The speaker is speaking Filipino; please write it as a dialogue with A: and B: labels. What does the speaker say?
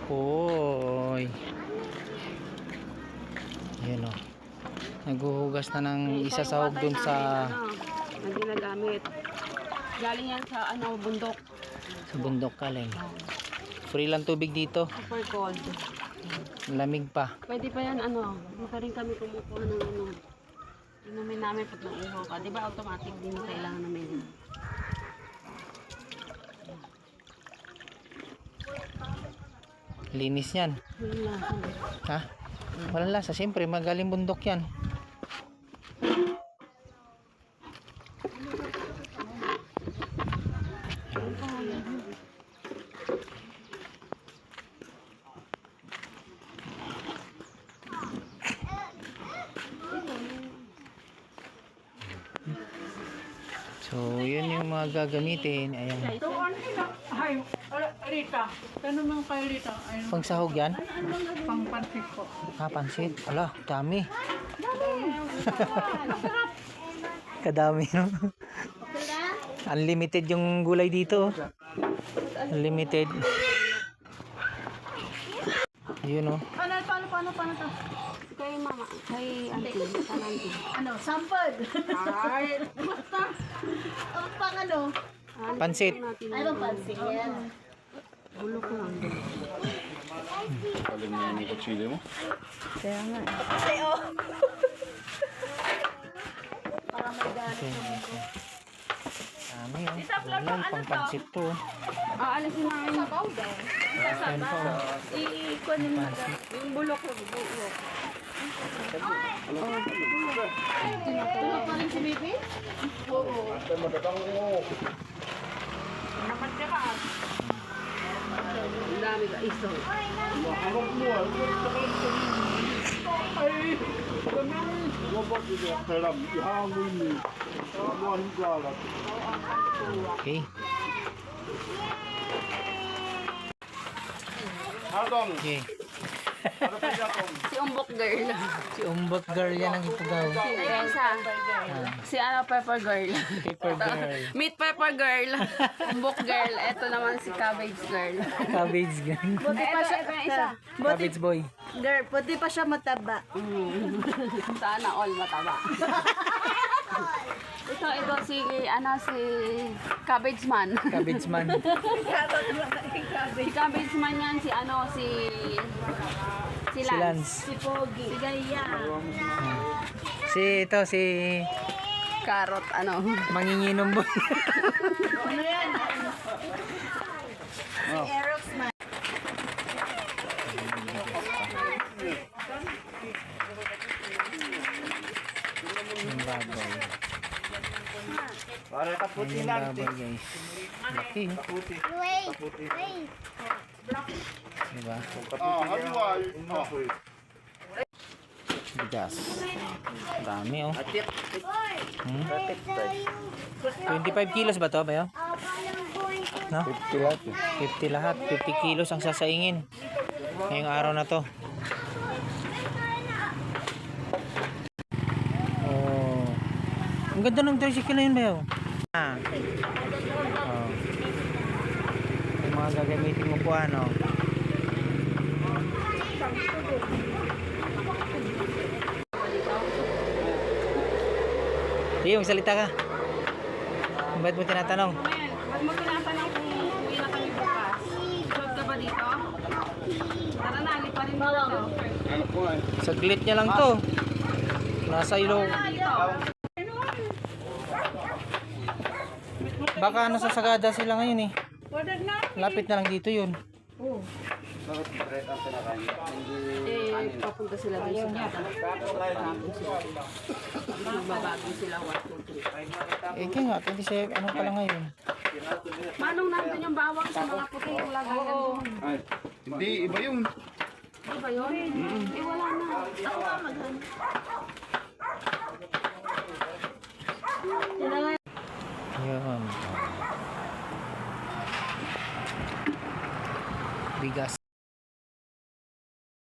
A: Oy. Yan o. Naghuhugas na ng isa sahog dun sa...
B: na ginagamit. Galing yan sa bundok.
A: Sa bundok kaling. Free lang tubig dito.
B: Super cold.
A: Lamig pa.
B: Pwede pa yan Hindi pa rin kami kumukuha ng inumin namin pag nauuhaw ka. Di ba automatic din kailangan namin.
A: Linis yan. Ha? Walang lasa. Siyempre, magaling bundok yan. So, yun yung mga gagamitin. Ayan.
C: Ay, Rita. Tanong lang kay Rita.
A: Pang sahog yan?
C: Pang pansit po.
A: Pansit. Ala, dami. Kadami, no? Unlimited yung gulay dito. Unlimited. Yun, oh.
C: Paano to?
B: Kay mama, kay auntie,
C: Sampad. Ay, basta. Pang
A: Pansit.
C: Ay, bang pansit yan.
B: Bulok lang.
D: Alam mo yan yung kutsili mo?
B: Kaya nga.
C: Para may gano'n.
A: Dami, oh. Gulay, pang pansit to.
B: Aalisin namin sa powder.
A: Ayan po.
B: Ikunin mo yung bulok.
C: Tulog pa rin si Bibi? Oo.
B: Naman ka ka. Ang dami ka iso.
D: Harap mo ah. Ay! Wabak ito ang kalam. Ihangin mo. Buwan galat.
A: Okay.
D: Hatong!
A: Okay.
D: Ano pa siya kong?
B: Si Umbok Girl.
A: Si Umbok Girl yan ang ipagaw.
B: Ay, isa. Si Pepper Girl.
A: Paper Girl.
B: Meat Pepper Girl. Umbok Girl. Ito naman si Cabbage Girl.
A: Cabbage Girl.
C: Buti pa siya.
B: Ito yung isa.
A: Cabbage Boy.
C: Girl, buti pa siya mataba.
B: Sana all mataba. Ito si Cabbage Man.
A: Cabbage Man.
B: Si Cabbage Man yan si
A: Si
B: Lance.
A: Lance.
C: Si Pogi. Si Gaya.
A: Si
B: Carrot
A: Manginginom Boy.
C: Ano yan? Si Aeroxman.
A: Yung baboy.
D: Para kaputi
A: Yung
D: lang.
A: baboy, guys. Laki, oh.
D: Kaputi.
A: Diba?
D: Haliwal.
A: Bigas. Dami, oh. 25 kilos ba to, bayo? No?
D: 50 lahat.
A: 50 lahat. 50 kilos ang sasaingin. Ngayong araw na to. Oh. Ang ganda ng tricycle na yun, bayo. Oh. Yung mga gagamitin mo po, ano. Sige, magsalita ka. Ba't mo tinatanong?
B: Ba't mo tinatanong kung uwi na kami bukas? Job ka ba dito? Tara na, liparin mo na to.
D: Ano po ay?
A: Saglit niya lang to. Nasa ilong. Baka nasa Sagada sila ngayon eh. Lapit na lang dito yun.
D: Bakit bread ang pinakain?
B: Papunta sila doon sa kata. Magbabago sila 1, 2, 3.
A: Eh kaya nga, 27, ano pala ngayon?
B: Manong nandun yung bawang sa mga puti yung lagay na doon.
D: Ay, hindi, iba yun.
B: Di ba yun? Eh wala na. Ako nga maghan.
A: Ayan. Bigas.